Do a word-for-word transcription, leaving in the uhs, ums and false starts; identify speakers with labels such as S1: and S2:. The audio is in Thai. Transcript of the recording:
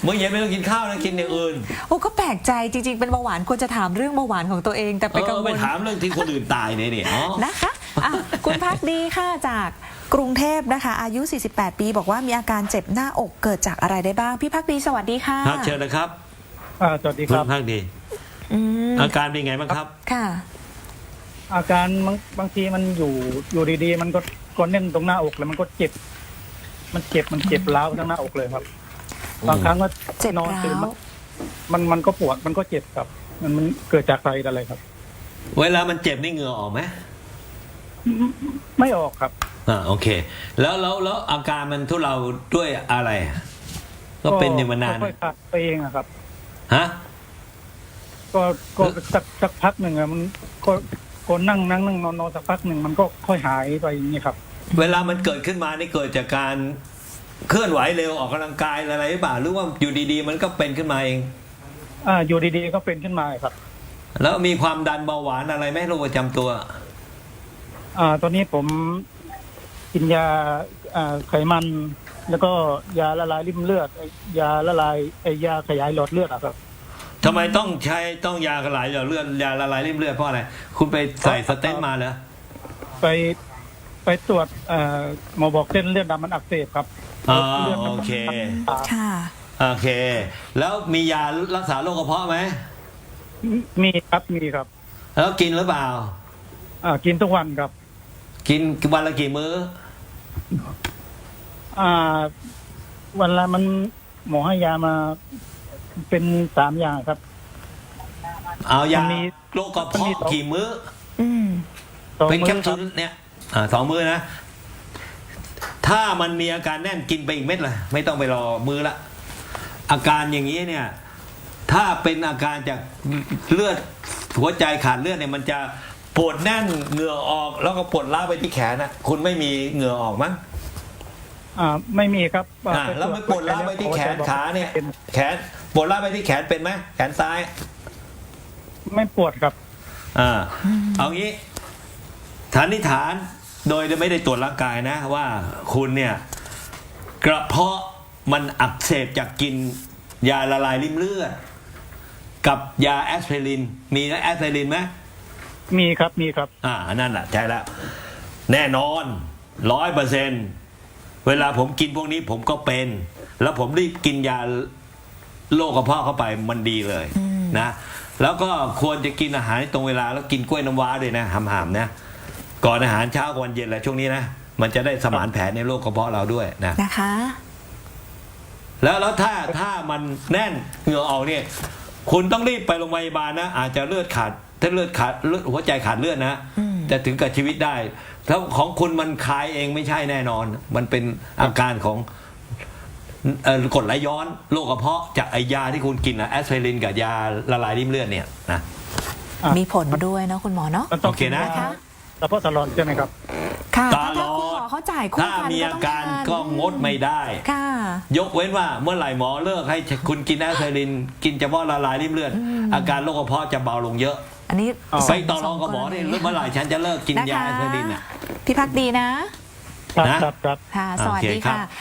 S1: มื้อเย็นไม่ต้องกินข้าวนะกินอย่างอื่น
S2: โอ้ก็แปลกใจจริงๆเป็นเบาหวานควรจะถามเรื่องเบาหวานของตัวเองแต่ไปกังวล
S1: ไปถามเรื่องที่คนอื่นตายเนี่ยเนี่ย
S2: นะคะะคุณพักดีค่ะจากกรุงเทพนะคะอายุสี่สิบแปดปีบอกว่ามีอาการเจ็บหน้าอกเกิดจากอะไรได้บ้างพี่พักดีสวัสดีค่ะ
S1: ครับเชิญนะครับ
S3: สวัสดีครับ
S1: คุณพักดีอาการเป็นไงบ้างครับ
S2: ค่ะ
S3: อาการบางบางทีมันอยู่อยู่ดีๆมันก็ก็แน่นตรงหน้าอกแล้วมันก็เจ็บมันเจ็บมันเจ็บร้าวทั้งหน้าอกเลยครับบางครั้งก็นอนตื่นมันมันก็ปวดมันก็เจ็บครับมันมันเกิดจากอะไรอะไรครับ
S1: เวลามันเจ็บนี่เหงื่อออกไหม
S3: ไม่ออกครับ
S1: อ่าโอเคแล้วแล้วแล้วอาการมันทุเลาด้วยอะไรก็เป็นอย่างมานาน
S3: ค่อยๆขาดไปเองอะครับ
S1: ฮะ
S3: ก็ก็สักสักพักหนึ่งอะมันก็ก็นั่งนั่งนั่งนอนนอนสักพักหนึ่งมันก็ค่อยหายไปอย่างนี้ครับ
S1: เวลามันเกิดขึ้นมานี่เกิดจากการเคลื่อนไหวเร็วออกกำลังกายอะไรหรือเปล่าหรือว่าอยู่ดีๆมันก็เป็นขึ้นมาเอง
S3: อ่าอยู่ดีๆก็เป็นขึ้นมาครับ
S1: แล้วมีความดันเบาหวานอะไรไหมโรคประจำตัว
S3: อ่าตอนนี้ผมกินยาอ่าไขมันแล้วก็ยาละลายริ่มเลือดยาละลายไอยาขยายหลอดเลือดอะครับ
S1: ทำไมต้องใช้ต้องยาขยายหลอดเลือดยาละลายริ่มเลือดเพราะอะไรคุณไปใส่สเต็นท์มาเหรอ
S3: ไปไปตรวจหมอบอกเส้นเลือดดำมันอักเสบครับ
S1: อ๋อโอเค
S2: ค่ะ
S1: โอเคแล้วมียารักษาโรคกระเพาะไหม
S3: มีครับมีครับ
S1: แล้วกินหรือเปล่า
S3: อ่ากินทุกวันครับ
S1: กินวันละกี่มื้อ
S3: อ่าวันละมันหมอให้ยามาเป็นสามอย่างครับ
S1: เอายาโรคกระเพาะกี่มื้อเป็นแคปซูลเนี่ยอ่าสองมื้อนะถ้ามันมีอาการแน่นกินไปอีกเม็ดเลยไม่ต้องไปรอมื้อละอาการอย่างนี้เนี่ยถ้าเป็นอาการจากเลือดหัวใจขาดเลือดเนี่ยมันจะปวดแน่นเหงื่อออกแล้วก็ปวดล้าไปที่แขนนะคุณไม่มีเหงื่อออกมั้ง
S3: อ่าไม่มีครับ
S1: อ่าแล้วไม่ปวดล้าไปที่แขนขาเนี่ยแขนปวดล้าไปที่แขนเป็นไหมแขนซ้าย
S3: ไม่ปวดครับ
S1: อ่าเอางี้ฐานนิฐานโดยไม่ได้ตรวจร่างกายนะว่าคุณเนี่ยกระเพาะมันอักเสบจากกินยาละลายริ่มเลือดกับยาแอสไพรินมีนะแอสไพรินไหม
S3: มีครับมีครับ
S1: อ่านั่นแหละใช่แล้วแน่นอนร้อยเปอร์เซ็นต์เวลาผมกินพวกนี้ผมก็เป็นแล้วผมรีบกินยาโรคกระเพาะเข้าไปมันดีเลยนะแล้วก็ควรจะกินอาหารตรงเวลาแล้วกินกล้วยน้ำว้าด้วยนะหามๆนะก่อนอาหารเช้ากับวันเย็นแหละช่วงนี้นะมันจะได้สมานแผลในโรคกระเพาะเราด้วยนะ
S2: นะคะ
S1: แล้วแล้วถ้าถ้ามันแน่นเหงื่อออกเนี่ยคุณต้องรีบไปโรงพยาบาลนะอาจจะเลือดขาดถ้าเลือดขาดหัวใจขาดเลือดนะจะถึงกับชีวิตได้แล้วของคุณมันคลายเองไม่ใช่แน่นอนมันเป็นอาการของกรดไหลย้อนโรคกระเพาะจากไอยาที่คุณกินนะแอสไพรินกับยาละลายริ่มเลือดเนี่ยนะ
S2: มีผลด้วยเนาะคุณหมอเนาะ
S1: โอเคนะ
S3: กระเพาะตลอดใช่ไหมครับ
S2: ค่ะถ้าคุณหมอเขาจ่ายคู่กัน
S1: ถ้ามีอาการก็งดไม่ได้
S2: ค่ะ
S1: ยกเว้นว่าเมื่อไหร่หมอเลิกให้คุณกินแอสไพรินกินเฉพาะละลายริ่มเลือดอาการโรคกระเพาะจะเบาลงเยอะ
S2: อันนี้
S1: ไปต่อรองกับหมอนี่เมื่อไหร่ฉันจะเลิกกินยาแอสไพรินอ่ะ
S2: พี่พักดีนะ
S3: ครับครับ
S2: ค่ะสวัสดีค่ะ